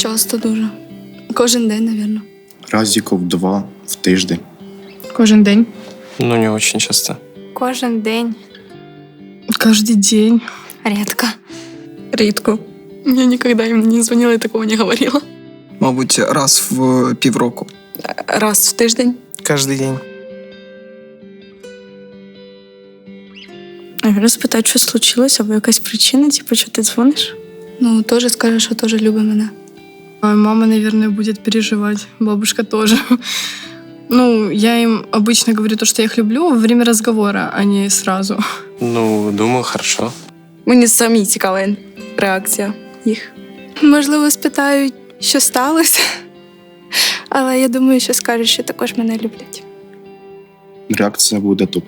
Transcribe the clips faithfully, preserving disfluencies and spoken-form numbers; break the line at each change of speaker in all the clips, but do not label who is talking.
Часто дуже. Кожен день, мабуть.
Разиков два в тиждень.
Кожен день.
Ну, не очень часто.
Кожен день.
Каждый день.
Рідко.
Рідко.
Я ніколи їм не дзвонила і такого не говорила.
Мабуть, раз в півроку.
Раз в тиждень.
Каждый день.
Наверное, спитати, що случилось, або якась причина, типу, що ти дзвониш? Ну, теж скаже, що теж любить мене.
Мама, наверное, будет переживать. Бабушка тоже. Ну, я им обычно говорю то, что я их люблю во время разговора, а не сразу.
Ну, думаю, хорошо.
Мені самі цікава реакція їх. Можливо, спитають, що сталося. Але я думаю, що скажуть, що також мене люблять.
Реакція буде тупа.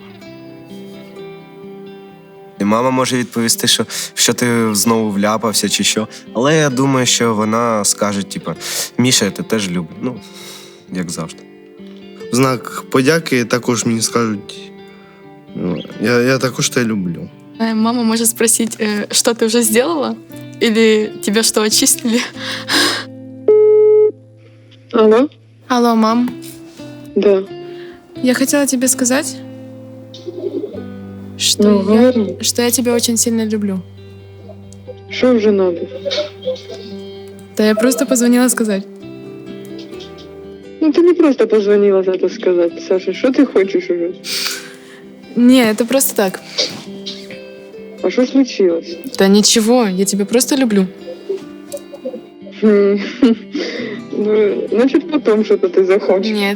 І мама може відповісти, що, що ти знову вляпався чи що. Але я думаю, що вона скаже, типу, Міша, я тебе теж люблю. Ну, як завжди.
В знак подяки також мені скажуть, ну, я, я також тебе люблю.
Мама може спросити, що ти вже зробила? Или тебе що, очистили?
Алло?
Алло, мам.
Да.
Я хотела тебе сказать, что,
Ну,
я,
говори.
что я тебя очень сильно люблю.
Что уже надо?
Да я просто позвонила сказать.
Ну, ты не просто позвонила за это сказать, Саша. Что ты хочешь уже?
Не, это просто так.
А что случилось?
Да ничего, я тебя просто люблю.
Хм. Ну, значит, потом что-то ты захочешь.
Нет.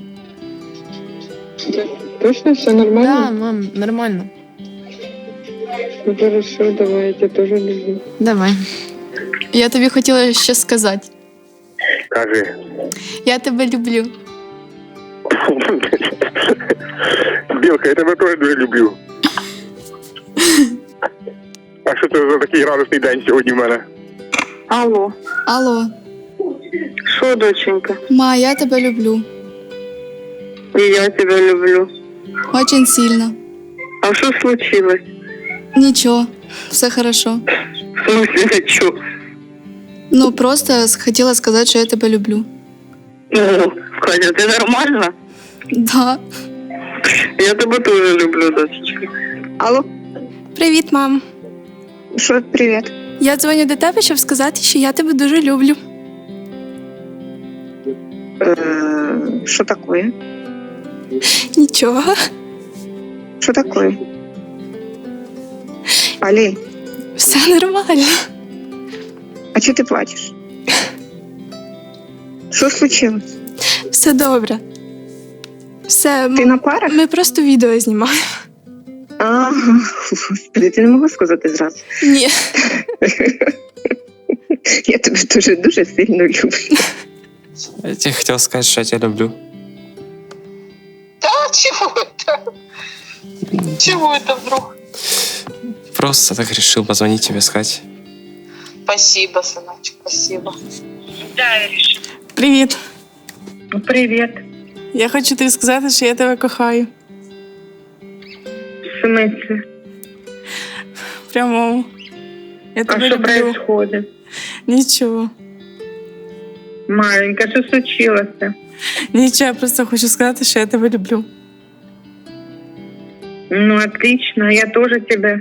Точно все
Да,
нормально?
мам, нормально.
Ну, хорошо, давай, я тебя тоже люблю.
Давай.
Я тобі хотіла ще сказати.
Кажи.
Я тебе люблю.
Білка, я тебе теж дуже люблю. А що це за такий радісний день сьогодні в мене?
Алло.
Алло.
Что, доченька?
Ма, я тебе люблю.
И я тебя люблю.
Очень сильно.
А что случилось?
Нічого, все хорошо.
В смысле, что?
Ну, просто хотіла сказати, що я тебе люблю.
Ну, Катя, ты нормально?
Да.
Я тебя тоже люблю, дочечка. Алло?
Привіт, мам.
Что, привет?
Я дзвоню до тебе, щоб сказати, що я тебе дуже люблю.
Что такое?
Нічого.
Что такое? Али,
Все нормально.
а что ты плачешь? Что случилось?
Все добре. Все,
Ты на парах?
ми просто відео знімаємо.
А, господи, ти не могла сказати зразу.
Ні.
Я тебе дуже дуже сильно люблю.
Я тебе хотел сказать, что я тебя люблю.
Да, чего это? Чего это вдруг?
Просто так решил позвонить тебе, сказать.
Спасибо, сыночек, спасибо.
Привіт.
Привет.
Я хочу тобі сказати, що я тебе кохаю.
В смысле?
Прямо. Я
А
тебе
что
люблю.
происходит?
Нічого.
Маленька, что случилось-то?
Нічого, я просто хочу сказати, що я тебе люблю.
Ну, отлично, я тоже тебя.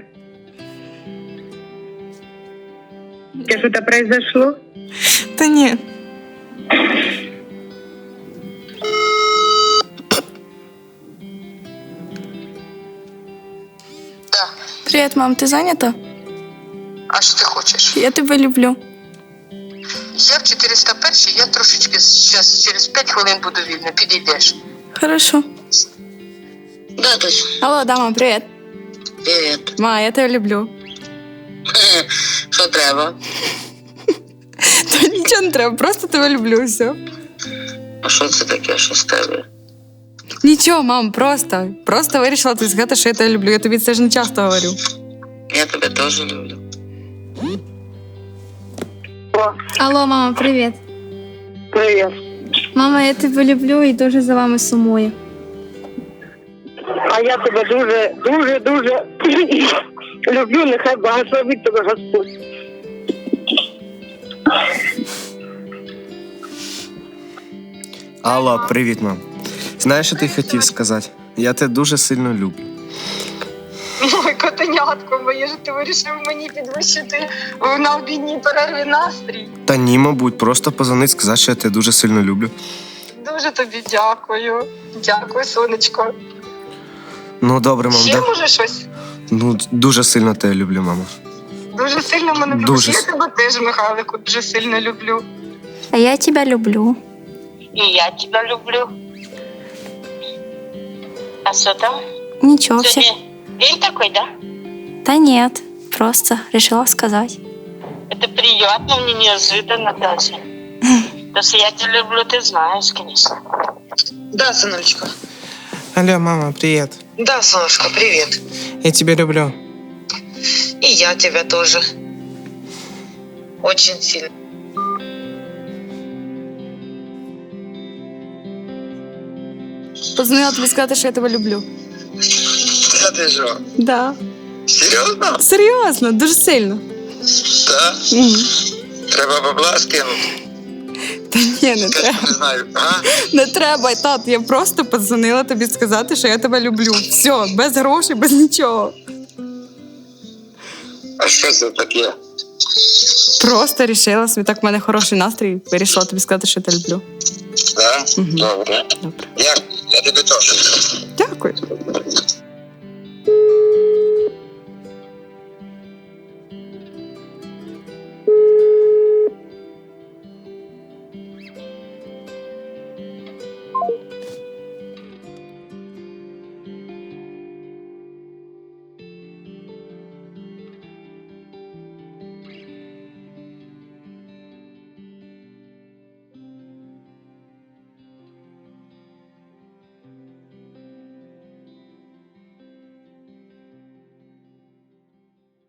У тебя что-то произошло?
Та ні.
Привіт, мам, ти зайнята?
А що ти хочеш?
Я тебе люблю.
Я в чотириста першій, я трошечки зараз через п'ять хвилин буду вільна. Підійдеш.
Хорошо.
Да, точно.
Алло, да, мам, привіт.
Привіт.
Ма, я тебе люблю.
Що треба?
Та нічого не треба, просто тебе люблю, все.
А що це таке, що з тебе?
Нічого, мам, просто. Просто вирішила тобі сказати, що я тебе люблю. Я тобі це ж не часто говорю.
Я тебе теж люблю.
Алло, мама, привіт.
Привет.
Мама, я тебе люблю і дуже за вами сумую.
А я тебе дуже, дуже, дуже люблю, нехай благословить тебе Господь.
Алло, привіт, мам. Знаєш, що ти хотів сказати? Я тебе дуже сильно люблю.
Ой, котенятко моє, ж ти вирішив мені підвищити на обідній перерві настрій.
Та ні, мабуть, просто позвонить, сказати, що я тебе дуже сильно люблю.
Дуже тобі дякую. Дякую, сонечко.
Ну, добре, мам.
Ще
Да...
може щось?
Ну, дуже сильно тебе люблю, мама.
Дуже сильно мене любиш.
Дуже
Я
с-
тебе теж, Михайлику, дуже сильно люблю.
А я тебя люблю.
І я тебе люблю. А що там?
Ничего, все.
День такой, да?
Да нет, просто решила сказать.
Это приятно, мне неожиданно даже. Потому что я тебя люблю, ты знаешь, конечно. Да, сыночка.
Алло, мама, привет.
Да, солнышко, привет.
Я тебя люблю.
И я тебя тоже. Очень сильно.
Позвонила тобі сказати, що я тебе люблю.
Та ти що?
Да.
Серйозно?
Серйозно, дуже сильно.
Так?
Мгм.
Треба бабла скинути.
Та ні, не треба.
Не знаю. А?
Не треба, тат. Я просто подзвонила тобі сказати, що я тебе люблю. Все, без грошей, без нічого.
А що це таке?
Просто рішила собі, так в мене хороший настрій. Вирішила тобі сказати, що я тебе люблю.
Так?
Мгм.
Добре.
Добре.
Як? Я тебе теж.
Дякую.